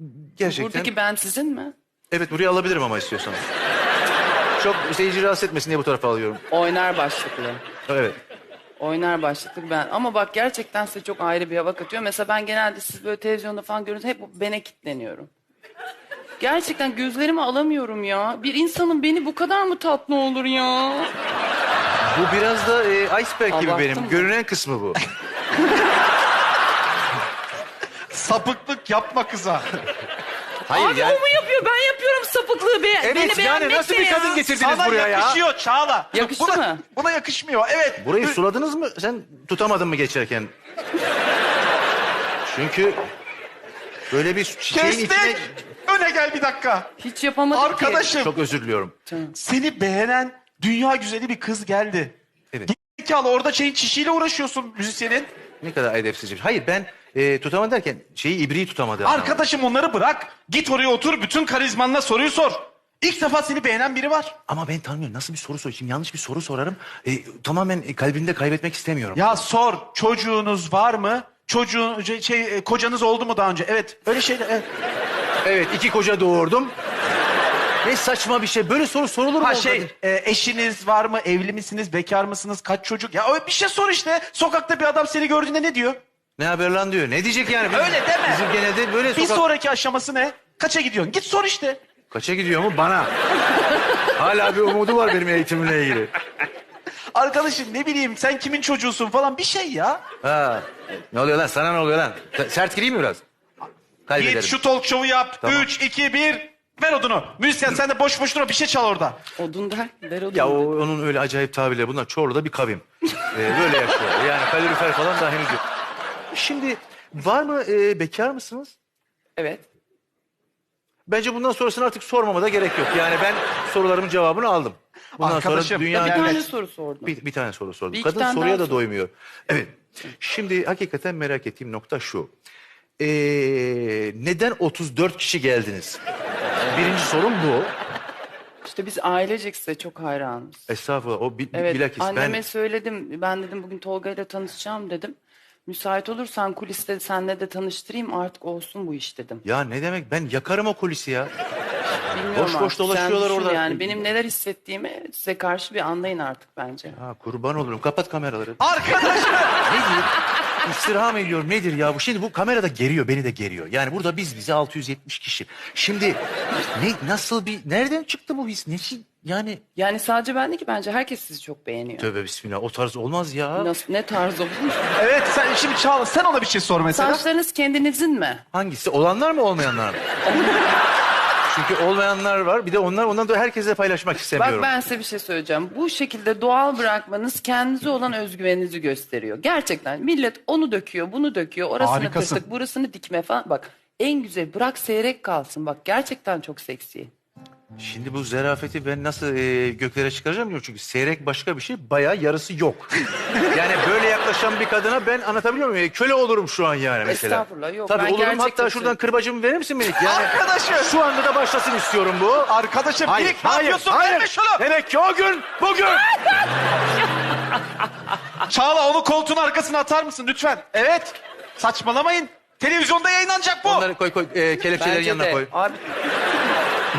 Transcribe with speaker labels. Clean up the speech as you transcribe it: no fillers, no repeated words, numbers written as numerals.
Speaker 1: Gerçekten.
Speaker 2: Buradaki ben sizin mi?
Speaker 1: Evet, buraya alabilirim ama istiyorsan. Çok seyirci rahatsız etmesin diye bu tarafa alıyorum.
Speaker 2: Oynar başlıklı.
Speaker 1: Evet.
Speaker 2: Oynar başlıklı ben. Ama bak gerçekten size çok ayrı bir hava katıyor. Mesela ben genelde siz böyle televizyonda falan görünce hep bene kilitleniyorum. Gerçekten gözlerimi alamıyorum ya. Bir insanın beni bu kadar mı tatlı olur ya?
Speaker 1: Bu biraz da iceberg gibi
Speaker 2: Abarttın
Speaker 1: benim.
Speaker 2: mı?
Speaker 1: Görünen kısmı bu.
Speaker 3: Sapıklık yapma kıza.
Speaker 1: Hayır
Speaker 2: Abi
Speaker 1: yani.
Speaker 2: o mu yapıyor? Ben yapıyorum sapıklığı.
Speaker 1: Evet
Speaker 2: Beni
Speaker 1: yani
Speaker 2: beğenmek
Speaker 1: nasıl
Speaker 2: ne
Speaker 1: bir
Speaker 2: ya?
Speaker 1: kadın getirdiniz
Speaker 3: Sana
Speaker 1: buraya ya?
Speaker 3: yakışıyor Çağla.
Speaker 2: Yakıştı
Speaker 3: buna,
Speaker 2: mı?
Speaker 3: Buna yakışmıyor, evet.
Speaker 1: Burayı suladınız mı? Sen tutamadın mı geçerken? Çünkü böyle bir çiçeğin
Speaker 3: Kestik.
Speaker 1: içine...
Speaker 3: Öne gel bir dakika.
Speaker 2: Hiç yapamadım ki.
Speaker 3: Arkadaşım,
Speaker 1: Çok özür diliyorum.
Speaker 3: seni beğenen dünya güzeli bir kız geldi.
Speaker 1: Evet.
Speaker 3: Gerizekalı, orada şeyin çişiyle uğraşıyorsun müzisyenin.
Speaker 1: Ne kadar edepsizce. Hayır ben tutamadım derken ibriği tutamadı.
Speaker 3: Arkadaşım onları bırak. Git oraya otur, bütün karizmanla soruyu sor. İlk defa seni beğenen biri var.
Speaker 1: Ama ben tanımıyorum. Nasıl bir soru sorayım? Şimdi yanlış bir soru sorarım. Tamamen kalbimde kaybetmek istemiyorum.
Speaker 3: Ya sor, çocuğunuz var mı? Kocanız oldu mu daha önce? Evet, öyle şeyler. Evet.
Speaker 1: Evet, 2 koca doğurdum. Ne saçma bir şey. Böyle soru sorulur mu?
Speaker 3: Ha
Speaker 1: orada?
Speaker 3: eşiniz var mı? Evli misiniz? Bekar mısınız? Kaç çocuk? Ya öyle bir şey sor işte. Sokakta bir adam seni gördüğünde ne diyor?
Speaker 1: Ne haber lan diyor. Ne diyecek yani?
Speaker 3: Öyle deme.
Speaker 1: Bizim genelde böyle
Speaker 3: Bir sonraki aşaması ne? Kaça gidiyorsun? Git sor işte.
Speaker 1: Kaça gidiyor mu? Bana. Hala bir umudu var benim eğitimimle ilgili.
Speaker 3: Arkadaşım ne bileyim sen kimin çocuğusun falan bir şey ya.
Speaker 1: Ha. Ne oluyor lan? Sana ne oluyor lan? Sert gireyim mi biraz? Kaybederim.
Speaker 3: Git şu talk show'u yap.
Speaker 1: Tamam.
Speaker 3: 3, 2, 1. Ver odunu. Müzisyen sen de boş boş durma, bir şey çal orada.
Speaker 2: Odun der. Ver odun.
Speaker 1: Ya onun öyle acayip tabirleri. Bunlar Çorlu'da bir kavim. Böyle yaşıyor. Yani kalorifer falan daha henüz yok. Şimdi var mı bekar mısınız?
Speaker 2: Evet.
Speaker 1: Bence bundan sonrasını artık sormama da gerek yok. Yani ben sorularımın cevabını aldım. Bundan
Speaker 3: Arkadaşım,
Speaker 1: sonra
Speaker 2: Bir
Speaker 1: dünya...
Speaker 2: tane soru sordum.
Speaker 1: Bir tane soru sordum.
Speaker 2: Bir iki
Speaker 1: Kadın
Speaker 2: tane
Speaker 1: soruya
Speaker 2: daha
Speaker 1: da
Speaker 2: sor.
Speaker 1: doymuyor. Evet. Şimdi hakikaten merak ettiğim nokta şu. Neden 34 kişi geldiniz? Birinci sorum bu.
Speaker 2: İşte biz ailecek size çok hayranız.
Speaker 1: Estağfurullah. O
Speaker 2: Evet,
Speaker 1: bilakis
Speaker 2: anneme
Speaker 1: ben...
Speaker 2: söyledim. Ben dedim bugün Tolga ile tanışacağım dedim. Müsait olursan kuliste senle de tanıştırayım, artık olsun bu iş dedim.
Speaker 1: Ya ne demek? Ben yakarım o kulisi ya.
Speaker 2: Bilmiyorum
Speaker 1: Boş boş
Speaker 2: artık, sen
Speaker 1: dolaşıyorlar
Speaker 2: düşün
Speaker 1: orada.
Speaker 2: Yani benim neler hissettiğimi size karşı bir anlayın artık bence.
Speaker 1: Ha, kurban olurum. Kapat kameraları.
Speaker 3: Arkadaşım.
Speaker 1: Nedir? İstirham ediyorum. Nedir ya bu? Şimdi bu kamerada geriyor. Beni de geriyor. Yani burada bize 670 kişi. Şimdi nasıl bir... Nereden çıktı bu his? Yani...
Speaker 2: Yani sadece ben değil ki, bence herkes sizi çok beğeniyor.
Speaker 1: Tövbe bismillah. O tarz olmaz ya.
Speaker 2: Nasıl, ne tarz olur?
Speaker 3: Evet şimdi Çağla sen ona bir şey sor mesela.
Speaker 2: Saçlarınız kendinizin mi?
Speaker 1: Hangisi? Olanlar mı olmayanlar mı? Çünkü olmayanlar var. Bir de ondan da herkese paylaşmak istemiyorum.
Speaker 2: Bak ben size bir şey söyleyeceğim. Bu şekilde doğal bırakmanız kendinize olan özgüveninizi gösteriyor. Gerçekten millet onu döküyor, bunu döküyor. Orasını
Speaker 3: Harikasın.
Speaker 2: tırtık, burasını dikme falan. Bak en güzel, bırak seyrek kalsın. Bak gerçekten çok seksi.
Speaker 1: Şimdi bu zerafeti ben nasıl göklere çıkaracağım bilmiyorum. Çünkü seyrek başka bir şey, bayağı yarısı yok. Yani böyle yaklaşan bir kadına ben anlatabiliyor muyum? Köle olurum şu an yani mesela.
Speaker 2: Estağfurullah, yok.
Speaker 1: Tabii
Speaker 2: Ben
Speaker 1: olurum,
Speaker 2: gerçekten
Speaker 1: hatta şuradan kırbacımı verir misin Melik? Yani
Speaker 3: Arkadaşım.
Speaker 1: şu anda da başlasın istiyorum bu.
Speaker 3: Arkadaşım Melik ne yapıyorsun? Verme şunu.
Speaker 1: Demek ki o gün bugün.
Speaker 3: Çağla onu koltuğun arkasına atar mısın lütfen? Evet. Saçmalamayın. Televizyonda yayınlanacak bu.
Speaker 1: Onları koy kelepçelerin
Speaker 2: Bence
Speaker 1: yanına
Speaker 2: de.
Speaker 1: koy.
Speaker 2: Abi